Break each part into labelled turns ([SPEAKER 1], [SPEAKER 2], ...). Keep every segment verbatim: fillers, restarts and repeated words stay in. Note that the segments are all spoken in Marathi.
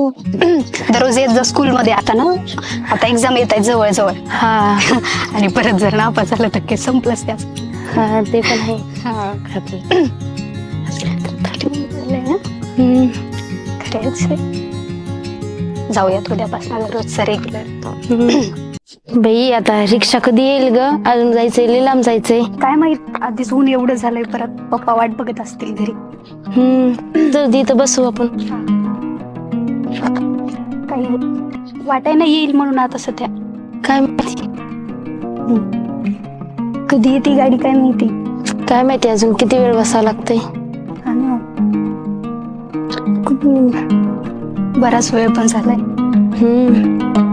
[SPEAKER 1] तू दररोज येत जा स्कूल मध्ये. आता ना आता एक्झाम येत आहे जवळ जवळ.
[SPEAKER 2] हा
[SPEAKER 1] आणि परत जर नापास झालं तर काही संपलंच त्याच.
[SPEAKER 2] हा ते पण आहे.
[SPEAKER 1] हा
[SPEAKER 2] हम्म.
[SPEAKER 1] खरंच जाऊयात उद्यापासून रोजचं रेग्युलर.
[SPEAKER 2] बाई आता रिक्षा कधी येईल ग? अजून जायचंय, लय लांब जायचंय.
[SPEAKER 1] काय माहित, आधीच ऊन एवढं झालंय, परत पप्पा वाट बघत असतील घरी.
[SPEAKER 2] हम्म तर इथं बसू आपण.
[SPEAKER 1] काही वाटाय नाही येईल म्हणून आता सध्या.
[SPEAKER 2] काय माहिती
[SPEAKER 1] कधी येते गाडी काय माहिती.
[SPEAKER 2] काय माहिती अजून किती वेळ बसावं लागतंय.
[SPEAKER 1] बराच वेळ पण झालाय.
[SPEAKER 2] हम्म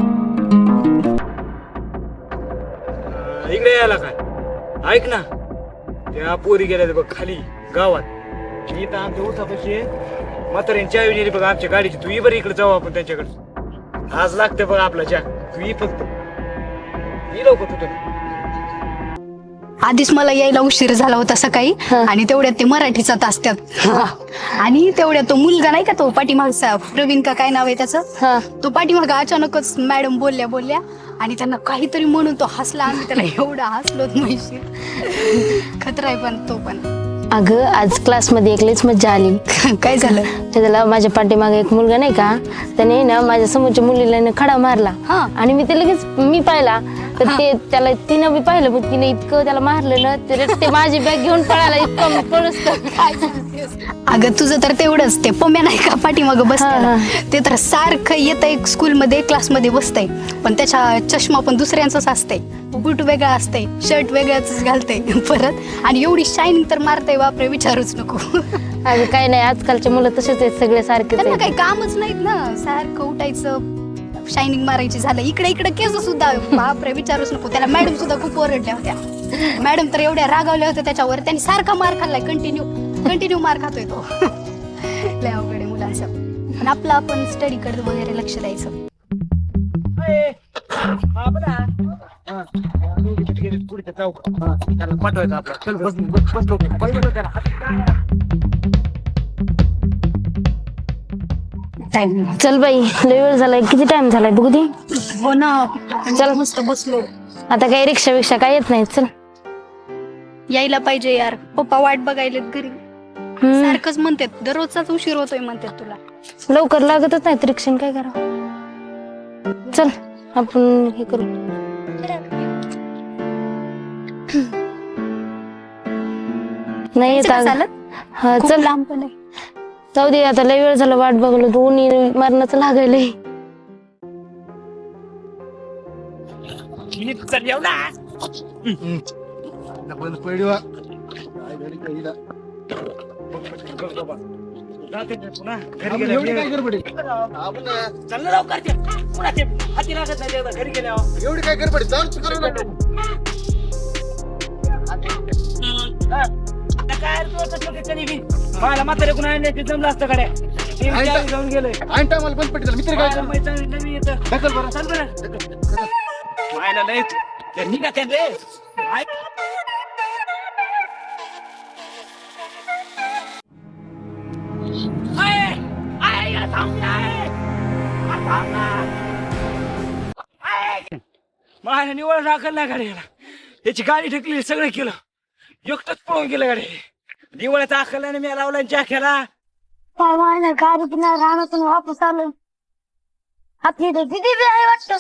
[SPEAKER 3] इकडे यायला काय ऐक ना, त्या पोरी गेल्या बघ खाली गावात. मी तर आमच्या उसापाशी म्हाताऱ्यांची चावी नेली बघ आमच्या गाडीची. तू ये बरं इकडे जाऊ आपण त्यांच्याकडे. आज लागते बघ आपला चहा. तू ये फक्त ये लवकर तुझं.
[SPEAKER 1] आधीच मला यायला उशीर झाला होता सकाळी, आणि तेवढ्यात ते मराठीचा तास त्यात. आणि तेवढ्यात तो मुलगा नाही का, तो पाठीमागचा प्रवीण का काय नाव आहे त्याचं, तो पाठीमाग अचानकच मॅडम बोलल्या बोलल्या आणि त्यांना काहीतरी म्हणून तो हसला. आम्ही त्याला एवढा हसलो म्हैशी. खतरा आहे पण तो पण.
[SPEAKER 2] अगं आज क्लासमध्ये एक लईच मज्जा आली.
[SPEAKER 1] काय झालं?
[SPEAKER 2] त्याला माझ्या पाठीमागे एक मुलगा नाही का, त्याने ना माझ्या समोरच्या मुलीला खडा मारला. आणि मी ते लगेच मी पाहिला तर ते त्याला तिनं बी पाहिलं, पण तिने इतकं त्याला मारलं ना, ते माझी बॅग घेऊन पळाला. इतकं पळस.
[SPEAKER 1] अगं तुझं तर तेवढंच, ते पम्या नाही का पाठीमागं बसताना, ते तर सारखं येत आहे स्कूलमध्ये क्लासमध्ये बसतंय, पण त्याच्या चष्मा पण दुसऱ्यांचाच असतंय, बूट वेगळा असतंय, शर्ट वेगळाच घालतंय परत, आणि एवढी शायनिंग तर मारतंय बापरे विचारूच नको.
[SPEAKER 2] अगं काय नाही, आजकालचे मुलं तसेच आहेत सगळे सारखे.
[SPEAKER 1] त्यांना काही कामच नाहीत ना, सारखं उठायचं शायनिंग मारायची. झालं इकडे इकडे केस सुद्धा बापरे विचारूच नको. त्याला मॅडम सुद्धा खूप ओरडल्या होत्या. मॅडम तर एवढ्या रागावल्या होत्या त्याच्यावर. त्यांनी सारखा मार खाल्लाय, कंटिन्यू कंटिन्यू मार खातोय तो. लय अवघड आहे मुलांचं. पण आपलं आपण स्टडी कडे वगैरे लक्ष द्यायचं.
[SPEAKER 3] पाठवायचं आपलं. चल बस बस बस लवकर.
[SPEAKER 1] टाइम
[SPEAKER 2] चल बाई, लय वेळ झालाय. किती टाइम झालाय बघू दे.
[SPEAKER 1] हो ना, चल मस्त बसलो.
[SPEAKER 2] आता काही रिक्षा विक्षा काय येत नाही. चल
[SPEAKER 1] यायला पाहिजे यार, पप्पा वाट बघायलेत घरी. सारखंच म्हणतात, दररोजचाच उशीर होतोय म्हणतात तुला.
[SPEAKER 2] लवकर लागतच नाही रिक्षाने, काय करावं. चल आपण हे करू. नाही येत
[SPEAKER 1] चालत.
[SPEAKER 2] हा चल
[SPEAKER 1] लांब पण आहे.
[SPEAKER 2] जाऊ दे, आता लय वेळ झाला वाट बघलो. दोन्ही मरणाचं लागायलंय.
[SPEAKER 3] बंद पडवा घरी गेल्या एवढी काय गडबड. मला म्हातारे कोण आणण्याचे जमलं असतं गाड्या जाऊन गेलोय. आणि टायमाला बंद पडली मित्र काय नवीन येतं. ढकल बरं, चल बरं. मायला लय ते निघा त्या रे. माझ्या निवड दाखल नाही गाडीला. याची गाडी ढकली, सगळं केलं, एकटंच पळून गेलं गाडी. दिवाळीचा आखल्याने मी लावला चाख्याला.
[SPEAKER 4] गाडी पुन्हा रानातून वापस आलो. आपली दिदी बी आहे वाटतं.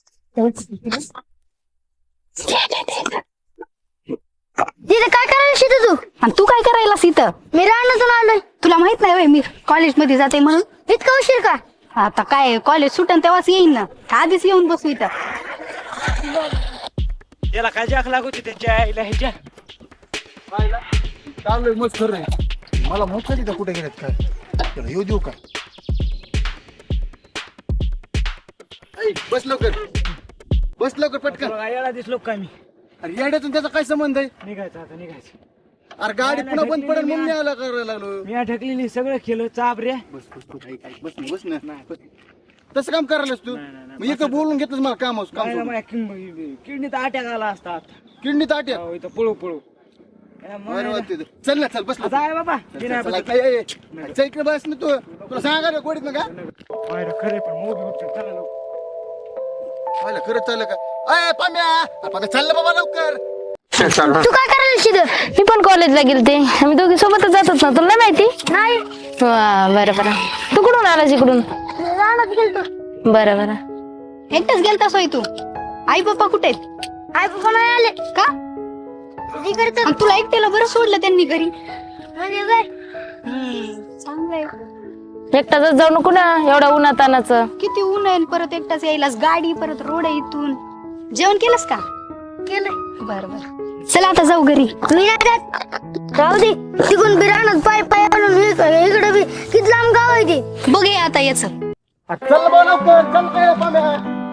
[SPEAKER 4] दिदी काय करायला शिकत तू?
[SPEAKER 1] आणि तू काय करायलास इथं?
[SPEAKER 4] मी रानातून आलोय.
[SPEAKER 1] तुला माहित नाही मी कॉलेजमध्ये जाते म्हणून?
[SPEAKER 4] इतका उशीर का?
[SPEAKER 1] आता काय कॉलेज सुटन तेव्हाच येईन ना, आधीच येऊन बसू इथं.
[SPEAKER 3] याला काय जाख लागू त्यांच्या आईला ह्याच्या चाललोय मस्त खरं आहे. मला मोठं तिथं कुठे गेलेत काय, त्याला येऊ देऊ का? बस लवकर, बस लवकर पटकन. याला दिसलो का मी? अरे येड्यातून त्याचा काय संबंध आहे? निघायचं आता निघायचं. अरे गाडी पुन्हा बंद पडेल म्हणून मी आला करायला लागलो. मी ढकलेली, सगळं केलं, चाप रे. बस बस बस बस बस ना. तसं काम करायलास तू? मग एक बोलून घेतच मला काम किडनीत अटॅक आला असतात. किडनीत अटॅक? इथं पळू पळू बरं वाटतंय ते. चल ना चल बस ना.
[SPEAKER 5] आहे बाबा
[SPEAKER 3] चल, चल, चल, ए, ए, ए. चल इकडे बस ना तू तुला सांगा रे गोडीत ना का
[SPEAKER 5] खरे पण मोगी उठते चला लवकर.
[SPEAKER 3] पाहिलं खरंच चाललं का अय पाम्या आपण चाललं बाबा लवकर
[SPEAKER 4] तू काय करायला शिकत
[SPEAKER 2] मी पण कॉलेजला गेलते आम्ही दोघी सोबतच जातात ना तुला नाही माहिती
[SPEAKER 4] नाही
[SPEAKER 2] वा, बरं बरं तू कुठून आलास इकडून
[SPEAKER 4] रानात गेलतो
[SPEAKER 2] बरं बरं
[SPEAKER 1] एकटाच गेलता सोय तू आई पप्पा कुठे आहेत
[SPEAKER 4] आई पप्पा नाही आले
[SPEAKER 1] का
[SPEAKER 4] जी करतात
[SPEAKER 1] आणि तुला एकट्याला बरं सोडलं त्यांनी घरी
[SPEAKER 4] म्हणजे काय
[SPEAKER 1] चांगलंय
[SPEAKER 2] एकटाच जाऊ नको ना एवढा उन्हातानाचं
[SPEAKER 1] किती ऊन आहे परत एकटाच यायलास गाडी परत रोड आहे इथून जेवण केलंस का
[SPEAKER 4] केलंय
[SPEAKER 1] बर बर चला आता जाऊ घरी
[SPEAKER 4] मी नाही जात राहू दे तिकडून बी रानात पाय पाय आणून इकडे बी किती लांब गाव आहे ते
[SPEAKER 1] बघे आता याच
[SPEAKER 3] चल बाबा लवकर चल काय पाम्या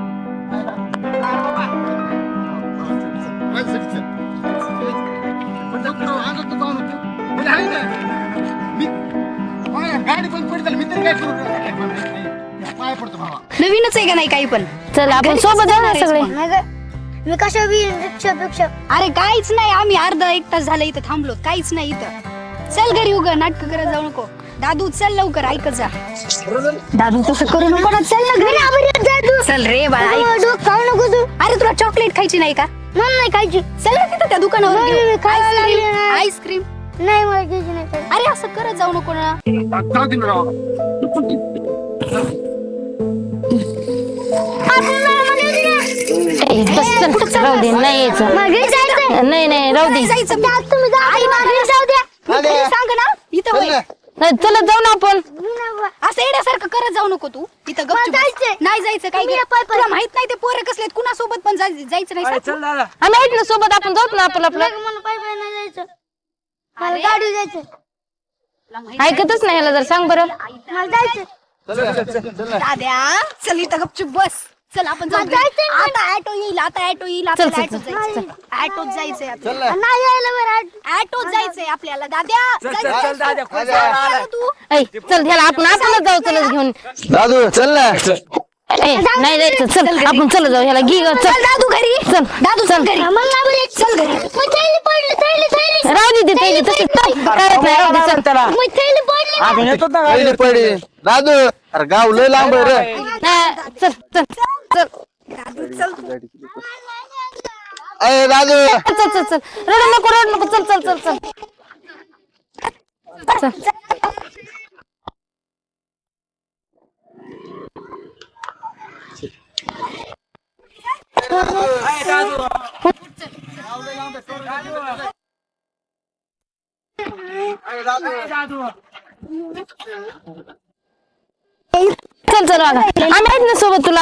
[SPEAKER 3] चल, चल, चल. पण जाऊ नको, अंगात नको आणू तू. म्हणजे आहे ना. मी- पाम्या, गाडी पण पडली मी तरी काय करू पाय पडतो भावा
[SPEAKER 1] नवीनच आहे का नाही काही पण
[SPEAKER 2] चल आपण
[SPEAKER 1] घरी
[SPEAKER 2] सोबत जाऊ ना
[SPEAKER 1] कसं
[SPEAKER 2] सगळे
[SPEAKER 1] जाणार
[SPEAKER 4] नाही काय मी कशा बी रिक्षा पेक्षा
[SPEAKER 1] अरे काहीच नाही आम्ही अर्धा एक तास झालं इथं थांबलो काहीच नाही इथं चल घरी उगा नाटक करत जाऊ नको दादू चल लवकर ऐकत जा दादू तसं करू नको ना चल ना घरी चल रे बाळा ऐक.
[SPEAKER 4] खाऊ नको तू
[SPEAKER 1] अरे तुला चॉकलेट खायची नाही का
[SPEAKER 4] मला नाही खायची
[SPEAKER 1] चल ना तिथं त्या दुकानावर
[SPEAKER 4] नाही,
[SPEAKER 1] घेऊ.
[SPEAKER 4] मी खायला लागले
[SPEAKER 1] आईस्क्रीम
[SPEAKER 4] नाही.
[SPEAKER 1] आईस्क्रीम
[SPEAKER 4] नाही मला घ्यायची नाही खायची.
[SPEAKER 1] अरे असं करत जाऊ नको ना
[SPEAKER 2] ए, बस चल राहू दे नाही यायचं
[SPEAKER 4] मला घरी जायचंय.
[SPEAKER 2] नाही नाही राहू दे
[SPEAKER 1] जायचं
[SPEAKER 4] जा, तुम्ही जा.
[SPEAKER 1] आई मला घरी जाऊ द्या मग
[SPEAKER 3] अरे.
[SPEAKER 1] घरी सांग ना इथं
[SPEAKER 3] चल
[SPEAKER 1] होय
[SPEAKER 3] ना.
[SPEAKER 2] नाही चलत जाऊ ना आपण
[SPEAKER 4] मी नाही बा.
[SPEAKER 1] असं येण्यासारखं करत जाऊ नको तू इथं गपचूप
[SPEAKER 4] मला
[SPEAKER 1] बस.
[SPEAKER 4] जायचंय.
[SPEAKER 1] नाही जायचं काय
[SPEAKER 4] तुम्ही या पाय पाय.
[SPEAKER 1] तुला माहित नाही ते पोरं कसलेत कुणासोबत पण जाय- जायचं नाही
[SPEAKER 5] अरे,
[SPEAKER 1] सांग.
[SPEAKER 5] चल दादा
[SPEAKER 2] आम्ही आहेत ना सोबत आपण जाऊ ना आपलं आपलं
[SPEAKER 4] नाही, मला पाय पाय नाही जायचं मला गाडी जायचं
[SPEAKER 1] तुला माहित
[SPEAKER 2] ऐकतच नाही ह्याला जर सांग बरं
[SPEAKER 4] मला जायचं
[SPEAKER 3] चल ना, चल, चल, चल ना.
[SPEAKER 1] दाद्या चल इथं गपचूप बस चल आपण जाऊ
[SPEAKER 4] मला जायचंय ना.
[SPEAKER 1] आता ऑटो येईल आता ऑटो येईल
[SPEAKER 2] चल,
[SPEAKER 1] आपल्याला
[SPEAKER 2] चल,
[SPEAKER 1] ऑटोत
[SPEAKER 2] चल.
[SPEAKER 1] जायचंय ऑटोत जायचंय
[SPEAKER 3] चल
[SPEAKER 1] आपल्याला.
[SPEAKER 3] ना.
[SPEAKER 4] नाही यायला बरं
[SPEAKER 1] ऑटोत जायचंय आपल्याला दाद्या
[SPEAKER 5] चल
[SPEAKER 1] जायचंय.
[SPEAKER 5] चल चल दादा खुश
[SPEAKER 3] दादा.
[SPEAKER 5] झाला.
[SPEAKER 1] चल तू
[SPEAKER 2] ऐ चल ह्याला आपण आपणच जाऊ चलच घेऊन
[SPEAKER 3] दादू चल ना
[SPEAKER 2] ए नाही जायचं चल आपण चल जाऊ ह्याला घे ग,
[SPEAKER 1] चल
[SPEAKER 2] चल
[SPEAKER 1] दादू घरी
[SPEAKER 2] चल
[SPEAKER 1] दादू चल घरी
[SPEAKER 4] मला नाही बरं यायचं.
[SPEAKER 1] चल घरी
[SPEAKER 4] मग थैली पडली थैली थैली
[SPEAKER 2] राहू दे ते थैली तशीच चल करत नाही राहू दे चल
[SPEAKER 5] त्याला
[SPEAKER 4] मग थैली पडली
[SPEAKER 5] आपण येतो ना
[SPEAKER 3] पहिले
[SPEAKER 5] गाडीवर.
[SPEAKER 3] पडी दादू अरे गाव लय लांब आहे रे
[SPEAKER 2] नाही, चल चल चल
[SPEAKER 1] दादू चल तू.
[SPEAKER 3] अय दादू
[SPEAKER 2] चल चल चल रड नको रड नको चल चल चल चल चल
[SPEAKER 5] अरे, दादू. दादू
[SPEAKER 2] चल चल वागा आम्ही आहेत ना सोबत तुला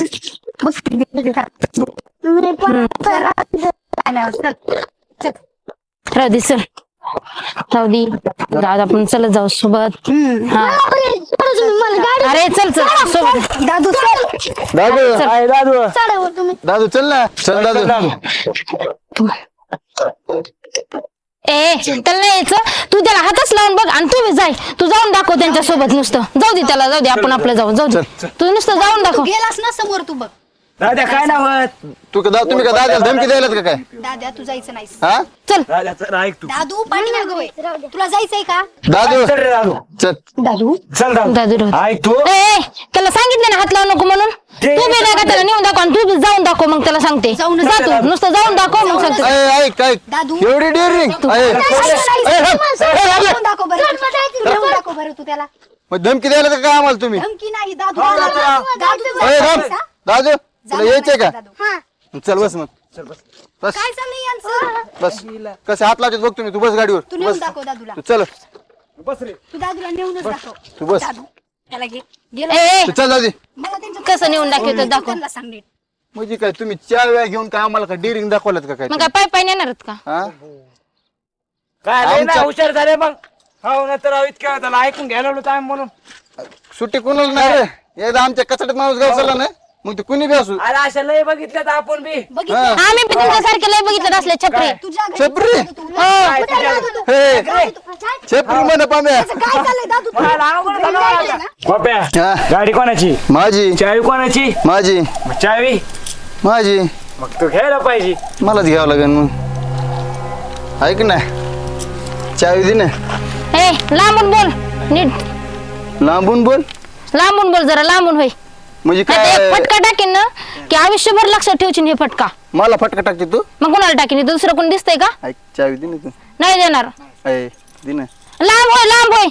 [SPEAKER 2] राहू दे चल राहू दे दादा आपण चलत जाऊ सोबत हा अरे चल चल सोबत
[SPEAKER 1] दादू चल
[SPEAKER 3] दादू
[SPEAKER 5] अरे, दादू
[SPEAKER 4] चढावर तुम्ही
[SPEAKER 3] दादू चल ना चल दादू
[SPEAKER 2] ए त्याला नाही यायचं तू त्याला हातच लावून बघ आणि तू बी जाय तू जाऊन दाखव त्यांच्या सोबत नुसतं जाऊ दे त्याला जाऊ दे आपण आपलं जाऊ जाऊ दे तू नुसतं जाऊन
[SPEAKER 1] तू
[SPEAKER 2] दाखव
[SPEAKER 1] गेलास ना समोर तू बघ
[SPEAKER 5] दादा काय नाव आहे?
[SPEAKER 3] तू का दा- तुम्ही का दादाला धमकी द्यायला का काय
[SPEAKER 1] दाद्या तू जायचं नाही
[SPEAKER 3] हा
[SPEAKER 2] चल
[SPEAKER 5] दादा चल ऐक तू
[SPEAKER 1] दादू पाठीमागं होय तुला जायचंय का
[SPEAKER 3] दादू
[SPEAKER 5] चल रे दादू
[SPEAKER 3] चल
[SPEAKER 1] दादू
[SPEAKER 5] चल दादू
[SPEAKER 2] दादू राहू दे.
[SPEAKER 5] ऐक तू
[SPEAKER 2] ए ए, त्याला सांगितलं ना हात लावू नको म्हणून
[SPEAKER 5] ते-
[SPEAKER 2] तू बी नाही का त्याला नेऊन दाखव आणि तू बी जाऊन दाखव मग त्याला सांगते
[SPEAKER 1] जाऊन
[SPEAKER 2] जा तू नुसतं जाऊन दाखव मग सांगते
[SPEAKER 3] अय ऐक ऐक
[SPEAKER 1] दादू.
[SPEAKER 3] एवढी डेअरिंग अय
[SPEAKER 1] जाऊन दाखव बरं जाऊन दाखव बरं तू त्याला
[SPEAKER 3] मग धमकी द्यायला का काय आम्हाला तुम्ही
[SPEAKER 1] धमकी नाही दादू
[SPEAKER 5] हा,
[SPEAKER 1] दादू
[SPEAKER 5] दादू.
[SPEAKER 1] दादू
[SPEAKER 3] अय
[SPEAKER 1] जायचं
[SPEAKER 3] राम
[SPEAKER 1] का?
[SPEAKER 3] दादू तुला यायचंय का
[SPEAKER 1] दादू.
[SPEAKER 4] हा
[SPEAKER 3] चल बस मग बस
[SPEAKER 1] काय चाललंय यांचं
[SPEAKER 3] बस कसं हात लावतात बघ तुम्ही तू बस गाडीवर
[SPEAKER 1] तू
[SPEAKER 3] तू
[SPEAKER 1] नेऊन
[SPEAKER 3] बस
[SPEAKER 1] दाखव दादूला
[SPEAKER 3] तू चल
[SPEAKER 5] बस रे
[SPEAKER 1] तू दादूला नेऊनच दाखव
[SPEAKER 3] तू बस
[SPEAKER 1] दादू त्याला घे
[SPEAKER 2] ए
[SPEAKER 1] गेलो
[SPEAKER 2] ए
[SPEAKER 3] तू चल दादी
[SPEAKER 1] मला त्यांच्या
[SPEAKER 2] कसं नेऊन दाखवतो दाखव
[SPEAKER 1] त्यांना सांग नीट
[SPEAKER 3] म्हणजे काय तुम्ही चार वेळा घेऊन काय आम्हाला काय डेअरिंग दाखवलं का काय
[SPEAKER 2] मग काय पाय पाय नेणार आहेत का
[SPEAKER 3] हा
[SPEAKER 5] काय लय ना
[SPEAKER 3] आमच्या-
[SPEAKER 5] हुशार झाले मग हो ना तर अहो, इतकं त्याला ऐकून घ्यायला लावलं टाइम म्हणून
[SPEAKER 3] सुट्टी कोणाला नाही रे एकदा आमच्या कचड्यात माणूस गाव चालला ना मग ते कुणी बी असू
[SPEAKER 5] अरे अशा लय बघितल्यात आपण बी
[SPEAKER 1] बघितलं
[SPEAKER 3] हा.
[SPEAKER 2] आम्ही पण तुमच्यासारखे लय बघितलं असले छपरे
[SPEAKER 1] तुझ्या घरी
[SPEAKER 3] छपरी?
[SPEAKER 1] दादू तू.
[SPEAKER 5] काय
[SPEAKER 1] कुठे
[SPEAKER 5] तुझ्या-
[SPEAKER 1] दादू तू?
[SPEAKER 3] हे
[SPEAKER 1] काय
[SPEAKER 3] छेपरी म्हण पाम्या
[SPEAKER 1] चाललंय दादू तू?
[SPEAKER 5] मला अवघड झालं
[SPEAKER 1] जायचंय
[SPEAKER 5] आता.
[SPEAKER 1] ना?
[SPEAKER 5] बाप्या
[SPEAKER 3] हा.
[SPEAKER 5] गाडी कोणाची
[SPEAKER 3] माझी
[SPEAKER 5] चावी कोणाची
[SPEAKER 3] माझी
[SPEAKER 5] मग चावी
[SPEAKER 3] माझी
[SPEAKER 5] मग तू घ्यायला पाहिजे
[SPEAKER 3] मलाच घ्यावं लागेल मग ऐक ना चावी दे ना.
[SPEAKER 2] ए लांबून बोल नीट,
[SPEAKER 3] लांबून बोल
[SPEAKER 2] लांबून बोल जरा लांबून होय.
[SPEAKER 3] म्हणजे
[SPEAKER 2] आता
[SPEAKER 3] काय
[SPEAKER 2] एक फटका टाकेन ना की आयुष्यभर लक्षात ठेवशील हे फटका.
[SPEAKER 3] मला फटका टाकते तू?
[SPEAKER 2] मग कोणाला टाकेन, दुसरं कोण दिसतंय का?
[SPEAKER 3] ऐक चावी दे ना तू.
[SPEAKER 2] नाही देणार.
[SPEAKER 3] ऐ दे ना.
[SPEAKER 2] लांब होय, लांब होय,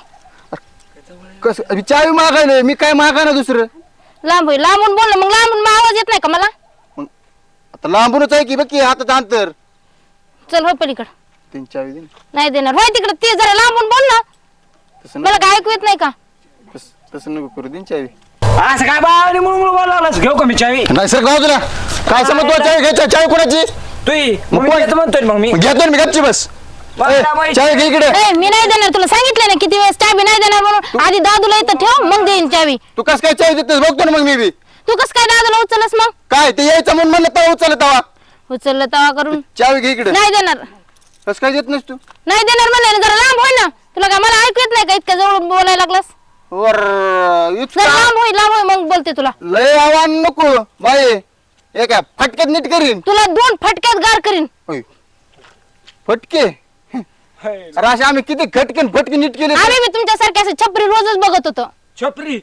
[SPEAKER 3] कस चावी मागायला मी काय मागा ना दुसरं.
[SPEAKER 2] लांब होय, लांबून बोल ना. मग लांबून मग आवाज येत नाही का मला?
[SPEAKER 3] मग आता लांबूनच आहे की बघ की हातात अंतर.
[SPEAKER 2] चल होय पलीकडं.
[SPEAKER 3] तीन चावी दे ना.
[SPEAKER 2] नाही देणार होय, तिकडं ते जरा लांबून बोल ना.
[SPEAKER 3] तसं
[SPEAKER 2] मला काय ऐकू येत नाही का?
[SPEAKER 3] नको तसं- तसं नको करू दे ना चावी.
[SPEAKER 5] असं काय बाळाने म्हणून म्हणून बोलावलास घेऊ का मी चावी?
[SPEAKER 3] नाही सर गाव तुला काय समज तुला चावी घ्यायची चावी कोणाची?
[SPEAKER 5] तुई
[SPEAKER 3] मग
[SPEAKER 5] मग
[SPEAKER 3] कोण-
[SPEAKER 5] मी म्हणतोय मग मी
[SPEAKER 3] मग घेतो ना मी गपची बस.
[SPEAKER 5] बाळा,
[SPEAKER 3] ए,
[SPEAKER 5] बाई.
[SPEAKER 3] चावी घे इकडे.
[SPEAKER 2] ए मी नाही देणार, तुला सांगितलं ना किती वेळेस चावी नाही देणार म्हणून. आधी दादूला इथं ठेव मग देईन चावी.
[SPEAKER 3] तू कस काय चावी देतेस बघतो ना मग मी बी.
[SPEAKER 2] तू कस काय दादूला उचलस मग?
[SPEAKER 3] काय ते यायचं म्हणून म्हणलं तवा उचलत तवा.
[SPEAKER 2] उचललं तवा करून.
[SPEAKER 3] चावी घे इकडे.
[SPEAKER 2] नाही देणार,
[SPEAKER 3] कस काय देत नाहीस तू?
[SPEAKER 2] नाही देणार म्हणले ना. जरा लांब होय ना. तुला काय मला ऐकू येत नाही का इतक्या जवळ बोलायला लागलास?
[SPEAKER 3] वर
[SPEAKER 2] जरा
[SPEAKER 3] इतका
[SPEAKER 2] लांब होय, लांब होय मग बोलते तुला.
[SPEAKER 3] लय आव्हान नको बाई. हे काय फटक्यात नीट करीन.
[SPEAKER 2] तुला दोन फटक्यात गार करीन.
[SPEAKER 3] होय. फटके अरे असे आम्ही किती खटके फटके नीट केले.
[SPEAKER 2] आम्ही मी तुमच्यासारखे असे छपरी रोजच बघत होतो.
[SPEAKER 5] छपरी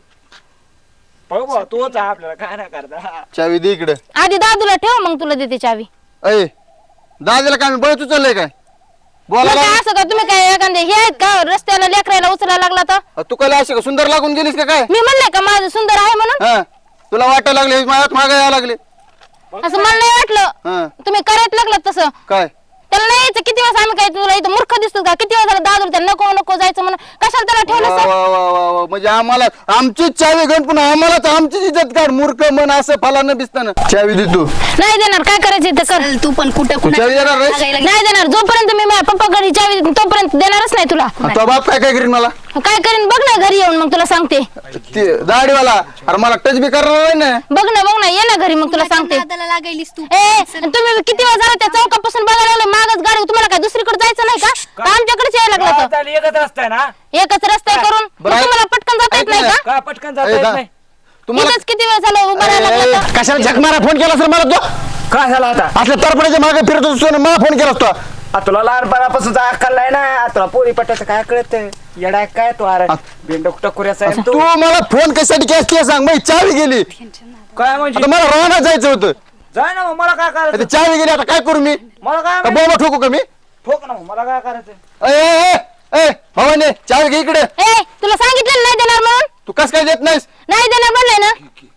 [SPEAKER 5] बघ बा तोच आहे आपल्याला काय ना करता.
[SPEAKER 3] चावी दे इकडे.
[SPEAKER 2] आधी दादूला ठेव मग तुला देते चावी.
[SPEAKER 3] अय दादाला काय मी बळच उचललंय काय
[SPEAKER 2] मग
[SPEAKER 3] बोला
[SPEAKER 2] काय असं का तुम्ही काय एखादे हे आहेत का रस्त्याला लेकरायला उचलायला लागला तर?
[SPEAKER 3] तू काय असे का सुंदर लागून गेलीस का काय?
[SPEAKER 2] मी म्हणले का माझं सुंदर आहे म्हणून?
[SPEAKER 3] हा तुला वाटायला लागले माझ्यात मागे यायला लागले.
[SPEAKER 2] असं मला नाही वाटलं.
[SPEAKER 3] हा
[SPEAKER 2] तुम्ही करायला लागलात तसं.
[SPEAKER 3] काय
[SPEAKER 2] त्याला नाही यायचं. किती वेळेस आम्ही काय तुला इथं मूर्ख दिसतो का? किती वेळ झाला दादू त्याला नको नको जायचं म्हणून कशाला त्याला ठेवलं
[SPEAKER 3] वा
[SPEAKER 2] सर?
[SPEAKER 3] वा वा वा वा. म्हणजे आम्हाला आमचीच चावी घेऊन पुन्हा आम्हालाच आमचीच इज्जत काढ मूर्ख मन असं फलानं दिसताना. चावी दे तू.
[SPEAKER 2] नाही देणार. काय करायचं ते कर.
[SPEAKER 1] चल, तू पण कुठं कुठं
[SPEAKER 3] चावी देणार नाहीस?
[SPEAKER 2] नाही देणार. जोपर्यंत मी माझ्या पप्पा घरी चावी देत नाही, तोपर्यंत देणारच नाही तुला.
[SPEAKER 3] तो बाप काय काय करीन मला
[SPEAKER 2] काय करीन बघ ना घरी येऊन मग तुला सांगते.
[SPEAKER 3] ते दाढीवाला अरे मला टच बी करणार नाही ना.
[SPEAKER 2] बघ ना बघ ना ये ना घरी मग तुला सांगते.
[SPEAKER 1] नादाला लागायलीस तू.
[SPEAKER 2] ए तुम्ही किती वेळ झाला त्या चौकापासून बघायला लागले मागच गाडी. तुम्हाला काय दुसरीकडे जायचं नाही का? का आमच्याकडेच यायला लागला
[SPEAKER 5] गावात
[SPEAKER 2] तर?
[SPEAKER 5] आली एकच रस्ता आहे ना.
[SPEAKER 2] एकच रस्ता आहे करून मग
[SPEAKER 3] बरं, ऐक-
[SPEAKER 2] तुम्हाला पटकन जाता येत
[SPEAKER 3] ऐक
[SPEAKER 2] नाही
[SPEAKER 3] ना.
[SPEAKER 2] का?
[SPEAKER 5] का पटकन जाता
[SPEAKER 3] ए,
[SPEAKER 5] येत
[SPEAKER 3] दा-
[SPEAKER 5] नाही.
[SPEAKER 3] तुम्हाला
[SPEAKER 2] इथंच किती वेळ झाला उभा राहायला
[SPEAKER 3] ए,
[SPEAKER 2] लागला तर?
[SPEAKER 3] कशाला झक मारा फोन केला सर मला तो
[SPEAKER 5] काय झालं आता?
[SPEAKER 3] असल्या तरपणाच्या मागे फिरत असतो मला फोन केला असतो.
[SPEAKER 5] आ, तुला लहानपणापासून अक्कल नाही ना. तुला पोरी पट्ट्याचं काय कळत येडा काय तू अरे बेंडक टकुऱ्याचा आहे
[SPEAKER 3] तू
[SPEAKER 5] तू.
[SPEAKER 3] मला फोन कशासाठी केस ते सांग मग चावी गेली.
[SPEAKER 5] काय म्हणजे
[SPEAKER 3] आता मला राहणार जायचं होतं.
[SPEAKER 5] जाय ना मग मला काय
[SPEAKER 3] आता
[SPEAKER 5] करायचं?
[SPEAKER 3] चावी गेली आता काय करू मी?
[SPEAKER 5] मला काय
[SPEAKER 3] का
[SPEAKER 5] माहिती?
[SPEAKER 3] बोमा ठोकू का मी?
[SPEAKER 5] ठोक ना मग मला काय करायचं?
[SPEAKER 3] ए, ए, ए, ए, भवानी चावी घे इकडे.
[SPEAKER 2] ए तुला सांगितलं नाही देणार म्हणून.
[SPEAKER 3] तू कस काय देत नाहीस?
[SPEAKER 2] नाही देणार म्हणलंय ना.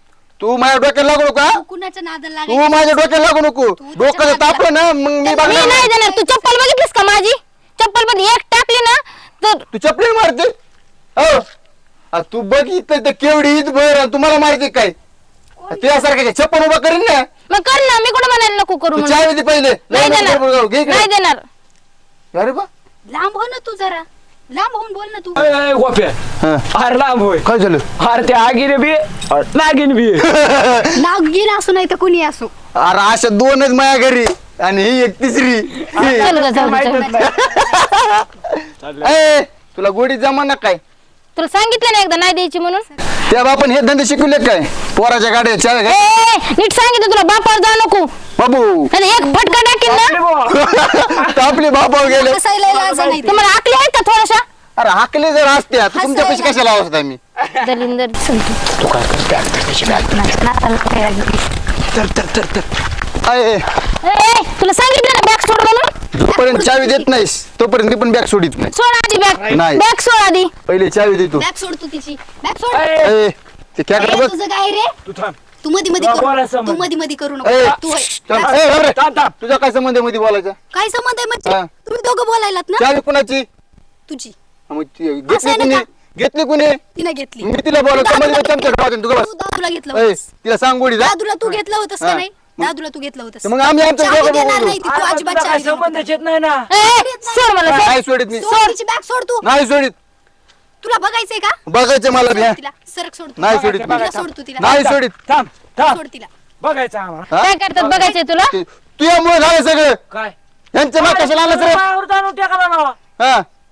[SPEAKER 3] तू माझ्या डोक्याला लागू नको हा?
[SPEAKER 1] तू कुणाच्या नादाला
[SPEAKER 3] तू
[SPEAKER 1] लागायलीस?
[SPEAKER 3] माझ्या डोक्याला लागू नको. डोकं जर तापलं ना मग मी
[SPEAKER 2] मी
[SPEAKER 3] बघणार
[SPEAKER 2] नाही
[SPEAKER 3] नाही.
[SPEAKER 2] देणार. तू चप्पल बघितलीस का माझी? चप्पल मध्ये एक टाकली ना तर
[SPEAKER 3] तू चपली मारते हो आ, तू बघितलं तर केवढी ईद भर आणि तुम्हाला मारते काय? त्यासारखं चप्पल उभा करीन ना.
[SPEAKER 2] मग कर ना. मी कुठं म्हणायला नको करू
[SPEAKER 3] तू
[SPEAKER 2] म्हणून.
[SPEAKER 3] चावी दे पहिले.
[SPEAKER 2] नाही
[SPEAKER 3] लय नको बडबड करू. घे
[SPEAKER 2] देणार. नाही
[SPEAKER 3] इकडे.
[SPEAKER 2] देणार.
[SPEAKER 3] अरे बा
[SPEAKER 1] लांब हो ना तू जरा. लांब होऊन बोल ना तू.
[SPEAKER 5] अय, अय, गोप्या
[SPEAKER 3] हा.
[SPEAKER 5] अरे लांब होय.
[SPEAKER 3] काय झालं?
[SPEAKER 5] अरे ते आगीने बी नागिन बी.
[SPEAKER 1] नाग गेला असो नाही तर कुणी असो.
[SPEAKER 3] अरे अशा दोनच माझ्या घरी आणि ही एक तिसरी.
[SPEAKER 2] चल गं, जाऊ दे, जाऊ दे.
[SPEAKER 5] माहितच नाही.
[SPEAKER 3] ए, तुला गोडी जमा ना काय?
[SPEAKER 2] तुला सांगितलं ना एकदा नाही द्यायची म्हणून.
[SPEAKER 3] त्या बापान हे धंदे शिकवले काय? पोराच्या गाड्या चाव्या
[SPEAKER 2] ए,
[SPEAKER 3] घे.
[SPEAKER 2] ए, नीट सांगितलं तुला बापावर जाऊ नको.
[SPEAKER 3] बाबू
[SPEAKER 2] आणि एक फटका टाकीन
[SPEAKER 5] आपली
[SPEAKER 2] ना.
[SPEAKER 5] बुवा.
[SPEAKER 3] आपली बापावर गेले.
[SPEAKER 1] हसायला लाज नाही ते.
[SPEAKER 2] तुम्हाला आकली आहे का थोड्याशा?
[SPEAKER 3] अरे हाकले जर असते आता तुमच्या पैसे कशाला आवडत आम्ही?
[SPEAKER 2] दलिंदर
[SPEAKER 3] अय,
[SPEAKER 2] ए, तुला सांगितलं ना बॅग सोड म्हणून.
[SPEAKER 3] जोपर्यंत चावी देत नाहीस तोपर्यंत मी पण बॅग सोडित नाही.
[SPEAKER 2] सोड आधी बॅग.
[SPEAKER 3] नाही.
[SPEAKER 2] बॅग सोड आधी.
[SPEAKER 3] पहिले चावी दे तू.
[SPEAKER 1] बॅग सोड तू तिची. बॅग सोड.
[SPEAKER 5] अय,
[SPEAKER 3] ए, ते खेकडं
[SPEAKER 1] ए,
[SPEAKER 3] बघ.
[SPEAKER 1] तुझं काय रे?
[SPEAKER 5] तू थांब.
[SPEAKER 1] तू मध्ये मध्ये
[SPEAKER 5] तुला
[SPEAKER 1] करू
[SPEAKER 5] बोलायचं
[SPEAKER 1] तू
[SPEAKER 5] म्हणजे.
[SPEAKER 1] मध्ये मध्ये करू
[SPEAKER 3] ए,
[SPEAKER 1] नको. तू होय.
[SPEAKER 3] थांब.
[SPEAKER 1] बॅग-
[SPEAKER 3] ए, थांब रे.
[SPEAKER 5] थांब, थांब.
[SPEAKER 3] तुझा काय संबंध आहे मध्ये बोलायचा?
[SPEAKER 1] काय संबंध आहे म्हणजे?
[SPEAKER 3] हा.
[SPEAKER 1] तुम्ही दोघं बोलायलात ना.
[SPEAKER 3] चावी कुणाची?
[SPEAKER 1] तुझी.
[SPEAKER 3] हा, मग ती
[SPEAKER 1] असं
[SPEAKER 3] घेतली
[SPEAKER 1] आहे ना
[SPEAKER 3] कुणी?
[SPEAKER 1] का?
[SPEAKER 3] घेतली कुणी?
[SPEAKER 1] तिने घेतली.
[SPEAKER 3] मी तिला बोलवतो मध्ये चमचा ठेवायचा तू बस.
[SPEAKER 1] तू दादूला घेतलं
[SPEAKER 3] ए,
[SPEAKER 1] होतंस.
[SPEAKER 3] तिला सांग गोडी जा.
[SPEAKER 1] दादूला तू घेतलं होतंस का
[SPEAKER 3] हा.
[SPEAKER 1] नाही? दादूला तू घेतलं होतंस.
[SPEAKER 3] मग आम्ही आमचं
[SPEAKER 1] चावी
[SPEAKER 3] दोघं
[SPEAKER 1] देणार
[SPEAKER 3] बोलू.
[SPEAKER 1] नाही ती. तू
[SPEAKER 5] अरे,
[SPEAKER 1] अजिबात
[SPEAKER 5] तुला
[SPEAKER 1] चावी
[SPEAKER 5] काही
[SPEAKER 1] देणार नाही.
[SPEAKER 5] संबंधच येत नाही ना.
[SPEAKER 2] ए, ए, सोड मला सोड.
[SPEAKER 3] नाही सोडित मी.
[SPEAKER 1] सोड तिची बॅग सोड तू.
[SPEAKER 3] नाही सोडित.
[SPEAKER 1] तुला बघायचंय का?
[SPEAKER 3] बघायचं मला बी, हा.
[SPEAKER 1] तिला सरक सोड तू.
[SPEAKER 3] नाही सोडित मी.
[SPEAKER 1] तिला सोड तू तिला.
[SPEAKER 3] नाही सोडित.
[SPEAKER 5] थांब थांब.
[SPEAKER 1] सोड तिला.
[SPEAKER 5] बघायचं आम्हाला.
[SPEAKER 3] हा?
[SPEAKER 2] काय करतात बघायचंय तुला?
[SPEAKER 3] ते- तुझ्यामुळे झालं सगळं.
[SPEAKER 5] काय
[SPEAKER 3] यांचं नाव कशाला आलं सर?
[SPEAKER 5] पायावर जाणून टाकायला लावा.
[SPEAKER 3] हा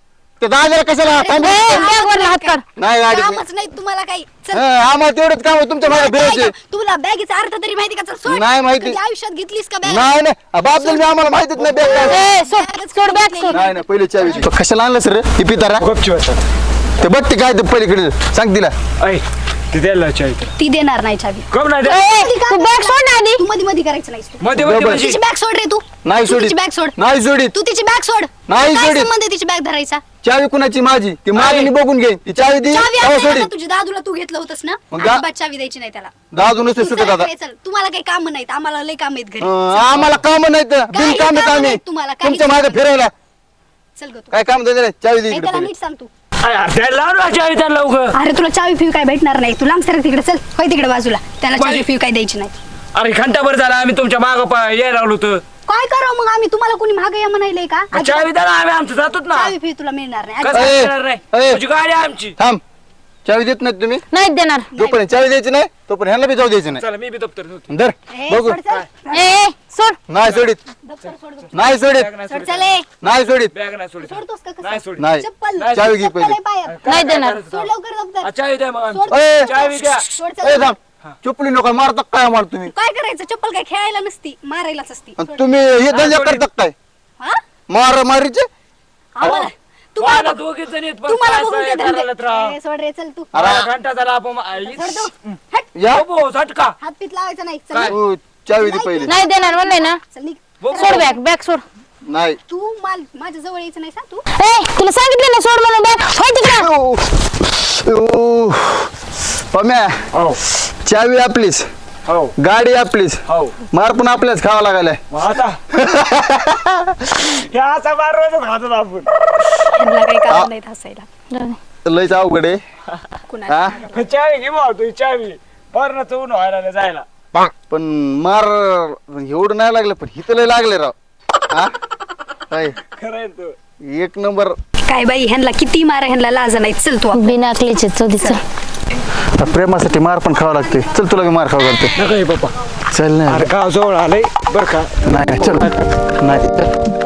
[SPEAKER 3] ते दादाला कशाला थांब.
[SPEAKER 2] बॅग वरला हात काढ.
[SPEAKER 3] नाही गाडी
[SPEAKER 1] कामच नाही तुम्हाला काही चल.
[SPEAKER 3] हा, आम्हाला तेवढंच काम आहे, तुमच्या मागे फिरायचे.
[SPEAKER 1] तुला बॅगीचा अर्थ तरी माहिती का? चल सोड.
[SPEAKER 3] नाही माहिती.
[SPEAKER 1] कधी आयुष्यात घेतलीस का बॅग?
[SPEAKER 3] नाही नाही बाप मी आम्हाला माहितीच नाही बॅग काय.
[SPEAKER 2] ए, सोड सोड बॅग सोड.
[SPEAKER 3] नाही नाही पहिले चावी दे. कशाला आणलं सर ही पितारा ते बघ ते काय ते पलीकडे सांग तिला.
[SPEAKER 1] ती देणार नाही चावी.
[SPEAKER 2] ए, तू बॅग सोड ना आधी.
[SPEAKER 1] तू मध्ये मध्ये करायचं नाहीस तू.
[SPEAKER 3] बरोबर.
[SPEAKER 1] तिची बॅग सोड रे तू.
[SPEAKER 3] नाही
[SPEAKER 1] तू
[SPEAKER 3] सोडीत.
[SPEAKER 1] तिची बॅग सोड.
[SPEAKER 3] नाही सोडीत.
[SPEAKER 1] तू तिची बॅग सोड.
[SPEAKER 3] नाही
[SPEAKER 1] काय
[SPEAKER 3] सोडीत.
[SPEAKER 1] संबंध आहे तिची बॅग धरायचा?
[SPEAKER 3] चावी कुणाची माझी ती माझी बघून घे ती चावी दे
[SPEAKER 1] चावी
[SPEAKER 3] तेव्हा
[SPEAKER 1] असेल ना
[SPEAKER 3] सोडीत.
[SPEAKER 1] तुझ्या दादूला तू घेतलं होतंस ना,
[SPEAKER 3] मग दा-
[SPEAKER 1] अजिबात चावी द्यायची नाही त्याला.
[SPEAKER 3] दादू नसते
[SPEAKER 1] तू
[SPEAKER 3] सुटत
[SPEAKER 1] चल
[SPEAKER 3] आता.
[SPEAKER 1] इकडे चल. तुम्हाला काही काम नाहीत, आम्हाला लय काम आहेत घरी.
[SPEAKER 3] अं, आम्हाला काम नाही तर बिन
[SPEAKER 1] काही
[SPEAKER 3] काम
[SPEAKER 1] कामं
[SPEAKER 3] आम्ही
[SPEAKER 1] नाहीत तुम्हाला, काही
[SPEAKER 3] तुमच्या मागे फिरायला
[SPEAKER 1] चल ग तू.
[SPEAKER 3] काय काम द्यायचं नाही चावी दे
[SPEAKER 1] ए,
[SPEAKER 3] इकडे
[SPEAKER 1] त्याला
[SPEAKER 3] पहिले.
[SPEAKER 1] नीट सांग तू.
[SPEAKER 5] त्याला लवकर.
[SPEAKER 1] अरे तुला चावी फिव काय भेटणार नाही. तू लांब सर तिकडे चल. होय तिकडे बाजूला. त्याला चावी फिव काय द्यायची नाही.
[SPEAKER 5] अरे घंटाभर झाला आम्ही तुमच्या माग यायला लागलो होतो.
[SPEAKER 1] काय करावं मग आम्ही? तुम्हाला कोणी मागे या म्हणायलंय का?
[SPEAKER 5] चावी द्या ना, आम्ही आमचं जातोच ना.
[SPEAKER 1] चावी फिव तुला मिळणार नाही.
[SPEAKER 5] कसं
[SPEAKER 3] ए,
[SPEAKER 5] येणार नाही?
[SPEAKER 3] ए.
[SPEAKER 5] तुझी गाडी आहे आमची.
[SPEAKER 3] थांब चावी देत नाही तुम्ही
[SPEAKER 2] नाही देणार.
[SPEAKER 3] जोपर्यंत चावी द्यायची नाही तोपर्यंत ह्याला बी जाऊ द्यायचं
[SPEAKER 5] चला मी बी दप्तर ठेवतो.
[SPEAKER 3] नाही धर
[SPEAKER 1] ए,
[SPEAKER 3] बघू
[SPEAKER 1] सोड चल.
[SPEAKER 2] ए ए, सोड.
[SPEAKER 3] नाही सोडीत
[SPEAKER 1] दप्तर सोड, दप्तर.
[SPEAKER 3] नाही सोडीत
[SPEAKER 5] बॅग नाही
[SPEAKER 1] सोड
[SPEAKER 5] सोडीत.
[SPEAKER 1] चल ए.
[SPEAKER 3] नाही सोडीत
[SPEAKER 5] बॅग नाही सोडीत.
[SPEAKER 1] सोडतोस का कसं?
[SPEAKER 5] नाही सोडीत.
[SPEAKER 3] नाही
[SPEAKER 1] चप्पल.
[SPEAKER 3] चावी घे
[SPEAKER 1] चप्पल
[SPEAKER 3] पहिले.
[SPEAKER 1] आहे पायात.
[SPEAKER 2] नाही देणार.
[SPEAKER 1] सोड लवकर दप्तर.
[SPEAKER 5] आ, चावी द्या मग
[SPEAKER 1] सोड.
[SPEAKER 5] आमची.
[SPEAKER 3] ए,
[SPEAKER 5] चावी द्या.
[SPEAKER 1] सोड
[SPEAKER 3] ए,
[SPEAKER 1] चल.
[SPEAKER 3] थांब चुपली नका मारता काय मार तुम्ही
[SPEAKER 1] काय करायचं? चप्पल काय खेळायला नसती, मारायलाच असती.
[SPEAKER 3] आणि तुम्ही हे धंदा
[SPEAKER 5] सोडीत.
[SPEAKER 3] करता काय
[SPEAKER 1] हा?
[SPEAKER 3] मार मारीचे
[SPEAKER 1] आम्हाला
[SPEAKER 5] तुम्हाला
[SPEAKER 1] तुम्हाला
[SPEAKER 5] दोघीच जण आहेत, पण
[SPEAKER 1] तुम्हाला
[SPEAKER 5] काय
[SPEAKER 1] बघून ते
[SPEAKER 5] साहेब
[SPEAKER 1] धंदे.
[SPEAKER 5] करायलात राव.
[SPEAKER 1] ए, सोड रे चल तू.
[SPEAKER 5] अरे घंटा झाला आपण
[SPEAKER 1] सोड तू. हट.
[SPEAKER 3] या
[SPEAKER 5] बाबू, झटका.
[SPEAKER 1] हात पीत लावायचा नाही. चल
[SPEAKER 5] काय?
[SPEAKER 1] निघ.
[SPEAKER 3] तू चावी दे पहिले
[SPEAKER 2] नाही देणार म्हणलंय ना.
[SPEAKER 1] चल निघ.
[SPEAKER 2] सोड बॅग बॅग सोड.
[SPEAKER 3] नाही
[SPEAKER 1] तू माल माझ्या जवळ यायचं नाही सांग तू.
[SPEAKER 2] ए तुला सांगितलं ना सोड म्हणून बॅग. होय तिकडे.
[SPEAKER 3] ओ, ओ, पम्या
[SPEAKER 5] हो
[SPEAKER 3] चावी आपलीच
[SPEAKER 5] हो
[SPEAKER 3] गाडी आपलीच
[SPEAKER 5] हो
[SPEAKER 3] मार पण आपल्याच खावा लागायला
[SPEAKER 5] मग आता हे असा मार रोजच खातो आपण.
[SPEAKER 1] ह्यांना काही काम नाही हसायला.
[SPEAKER 3] लयच अवघड आहे
[SPEAKER 1] कुणाला
[SPEAKER 3] हा
[SPEAKER 5] चावी घे भाऊ तू चावी बरं चवून व्हायला जायला.
[SPEAKER 3] पण मार एवढं नाही लागलं पण हिथं लय लागले राव हा काय
[SPEAKER 5] खरंय तू.
[SPEAKER 3] एक नंबर
[SPEAKER 1] काय बाई, ह्यांना किती मारा, ह्यांना लाज नाही. चल तू.
[SPEAKER 2] बिना अकलीचे चौधीच.
[SPEAKER 3] प्रेमासाठी मार पण खावा लागते. चल तुला मी मार खावा लागते.
[SPEAKER 5] नका हे पप्पा.
[SPEAKER 3] चल ना
[SPEAKER 5] अरे गाव जवळ आलंय बर का.
[SPEAKER 3] नाही चल नाही चल